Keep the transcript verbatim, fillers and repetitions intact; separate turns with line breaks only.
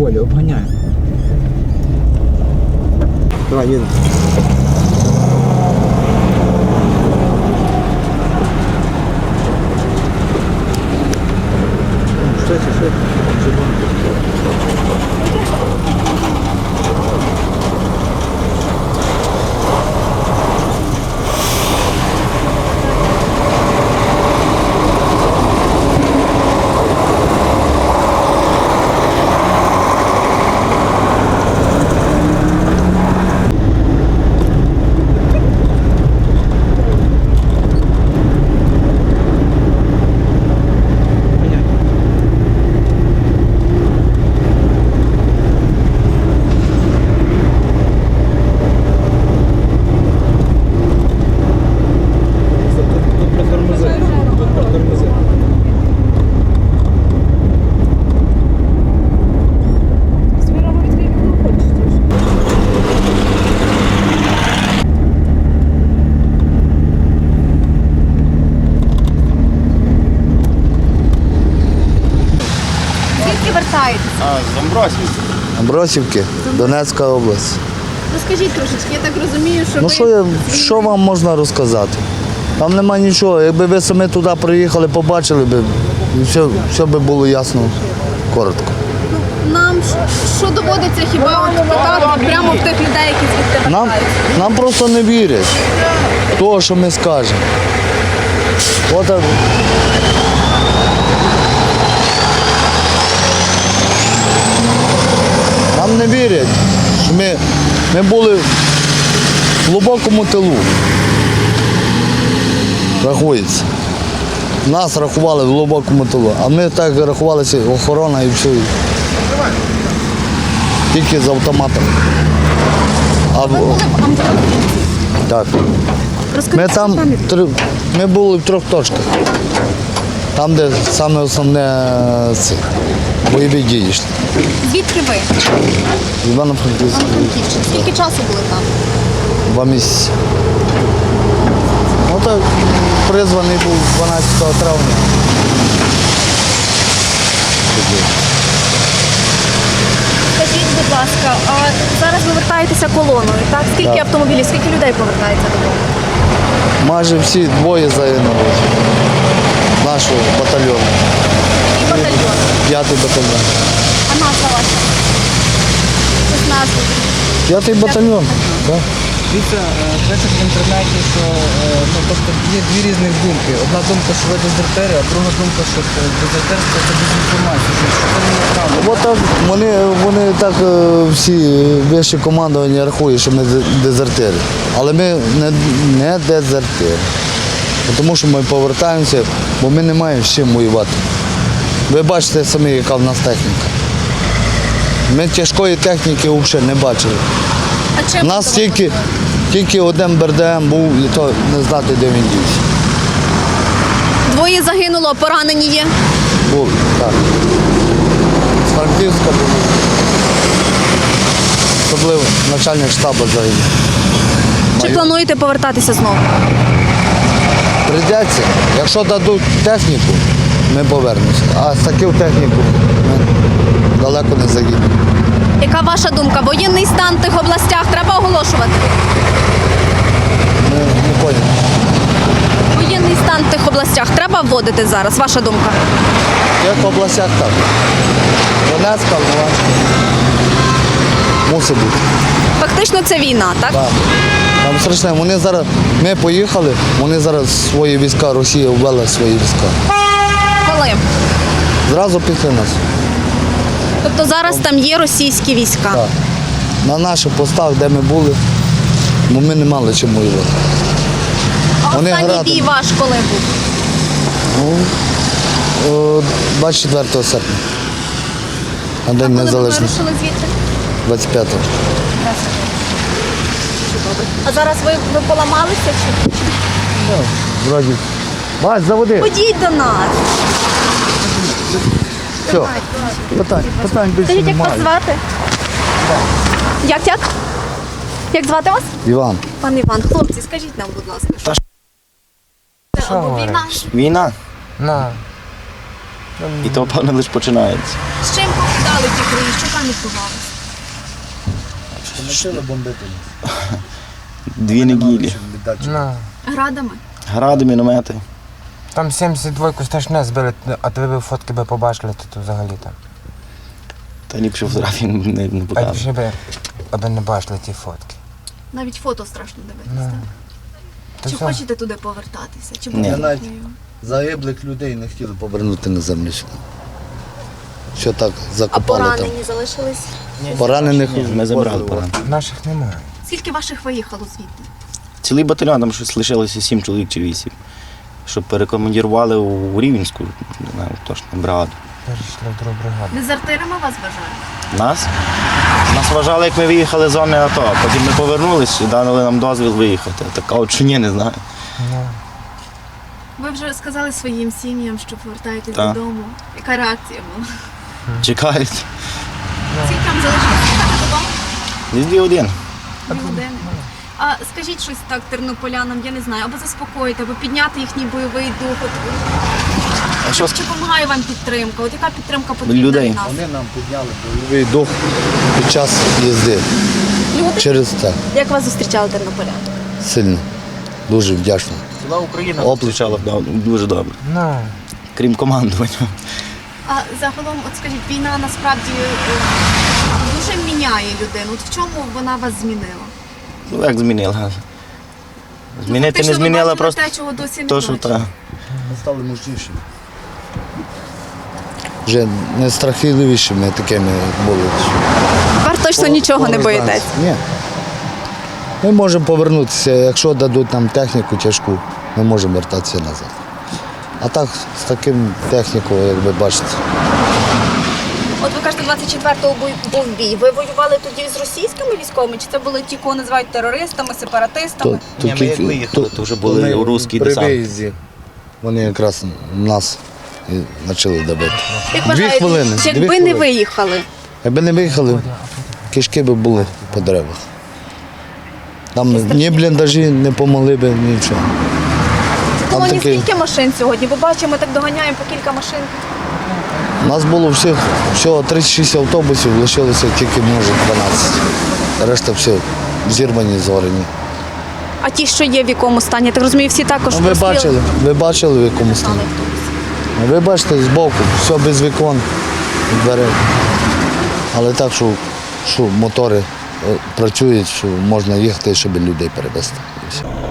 Колі, обганяй. Давай, їдемо. Швидше, швидше.
А, з Амбросівки.
Амбросівки, Донецька область.
Розкажіть трошечки, я так розумію, що
Ну
ви...
що, я, що вам можна розказати? Там нема нічого. Якби ви самі туди приїхали, побачили б, все, все би було ясно, коротко.
Нам що доводиться хіба от питати прямо в тих людей, які звідти
Нам,
вертаються?
нам просто не вірять того, що ми скажемо. От, так. Нам не вірять, що ми, ми були в глибокому тилу. Рахується. Нас рахували в глибокому тилу, а ми так рахувалися, охорона і все. Тільки з автоматом. А,
Ви були в Амбросівці?
так.
Розкажіть
Ми там
самі.
три- ми були в трьох точках. Там, де саме основне е, це, бойові дії йшли.
Звідки ви?
Івано-Франківська.
Івано-Франківщина. Скільки часу були там?
Два місяці. Ну так, призваний був дванадцятого травня.
Скажіть, будь ласка, а зараз ви вертаєтеся колоною, так? Скільки
Так.
автомобілів, скільки людей повертається додому?
Майже всі двоє загинули нашого батальйону.
І батальйон.
П'ятий батальйон.
А назва ваша? Щось назву.
П'ятий батальйон. Так.
Дивіться, е, пишуть в інтернеті, що е, ну, тобто є дві різних думки. Одна думка, що ви дезертири, а друга думка, що е, дезертирство – це дезінформація, що що це не правда.
От так вони, вони так е, всі вищі командування рахують, що ми де- дезертири. Але ми не, не дезертири. Тому що ми повертаємося, бо ми не маємо з чим воювати. Ви бачите самі, яка в нас техніка. Ми тяжкої техніки взагалі не бачили.
А чим
У нас
ви
тільки, тільки один БРДМ був, і то не знати, де він дівся.
Двоє загинуло, поранені є.
Був, так. З Франківська був. Особливо начальник штабу загинув.
Чи плануєте повертатися знову?
Прийдеться. Якщо дадуть техніку, ми повернемося. А з такою технікою ми далеко не заїдемо.
Яка ваша думка? Воєнний стан в тих областях треба оголошувати?
Ми не поняли.
Воєнний стан в тих областях треба вводити зараз, ваша думка?
Як в областях так. Донецька, Луганська. Мусить бути.
Фактично це війна, так?
Так. Там страшне. Вони зараз, ми поїхали, вони зараз свої війська, Росія ввела свої війська.
Коли?
Зразу після нас.
Тобто зараз там є російські війська.
Так. На наших постах, де ми були, бо ми не мали чим воювати.
А
Вони
останній
грати.
бій ваш коли був?
Ну, о, двадцять четвертого серпня. На День
Коли ви
Незалежності.
вирушили звідти?
двадцять п'ятого.
А зараз ви, ви поламалися чи?
Вроді. Бать, заводи.
Ходіть до нас.
Все. Питань, питань більше
Скажіть, як вас
немає.
звати? Як як? Як звати вас?
Іван.
Пан Іван, хлопці, скажіть нам, будь ласка. Що? Це або війна?
Війна?
На.
І то, певно, лише починається.
З чим покидали ті краї? Що там відбувалося?
Почали бомбити.
Дві неділі.
Ну,
Градами?
Гради, міномети.
там сімдесят двойку страшне збили, а то ви б фотки би побачили, то, то взагалі там.
Та ліпше фотографії не, не
А
показує.
ще би, аби не бачили ті фотки.
Навіть фото страшно дивитися. так?
То
Чи
все.
хочете туди повертатися? Чи
Ні.
будете?
Навіть загиблих людей не хотіли повернути на землю. Що так
А
закопали там.
поранені залишились?
Поранених
Ні, ми забрали поранених.
Наших немає.
Скільки ваших виїхало звідти?
Цілий батальйон, там щось лишилося сім чоловік чи вісім. Щоб перекомандірували у Рівненську, не знаю, точно, бригаду.
Перейшли в другу бригаду.
Дезертирами вас вважають?
Нас? Нас вважали, як ми виїхали з зони АТО. Потім ми повернулись і дали нам дозвіл виїхати. Так, а от чи ні, не знаю.
Ну,
Ви вже сказали своїм сім'ям, що повертаєтесь
Так.
додому. Яка реакція була?
Чекають.
Скільки там залишилось їхати додому?
Десь дві години.
Дві години. А скажіть щось так тернополянам, я не знаю, або заспокоїти, або підняти їхній бойовий дух. От,
А що
чи допомагає вам підтримка? От яка підтримка потрібна
Людей.
від нас?
Вони нам підняли бойовий дух під час їзди.
Люди?
Через це
Як вас зустрічали тернополяни?
сильно. Дуже вдячно.
Ціла Україна
Оплески.
зустрічала дуже добре.
ну,
Крім командування.
А загалом, от скажіть, війна насправді е, дуже міняє людину. От в чому вона вас змінила?
Ну як змінила? Змінити
Фактично,
не
ви
змінила,
бачили
просто
те, чого досі не
то, що
бачили.
та.
Ми стали мужнішими. Вже не страхливішими такими були.
Тепер точно нічого не боїтесь.
Ні. Ми можемо повернутися, якщо дадуть нам техніку тяжку, ми можемо вертатися назад. А так, з таким технікою, як ви бачите,
От ви кажете, двадцять четвертого був, був бій. Ви воювали тоді з російськими військовими? Чи це були ті, кого називають терористами, сепаратистами?
то,
Ні, ми як виїхали, то вже були
ми
русські
при
десант.
виїзді. Вони якраз нас і почали добити.
Як
Дві
вважаєте,
хвилини,
чи
дві
якби не
хвилини.
виїхали?
Якби не виїхали, кишки б були по деревах. Там ні бліндажі не помогли б, нічого.
В
Там
колоні
такий-
скільки машин сьогодні? Бо бачимо, ми так доганяємо по кілька машин.
У нас було всіх, всього тридцять шість автобусів, лишилося тільки, може, дванадцять. Решта все зірвані, згорені.
А ті, що є в якому стані, я так розумію, всі також
Ну, ви
розстріли-
бачили, ви бачили, в якому
Стали
стані.
автобуси.
Ви бачите, збоку, все без вікон, дверей. Але так, що, що мотори е, працюють, що можна їхати, щоб людей перевезти. І все.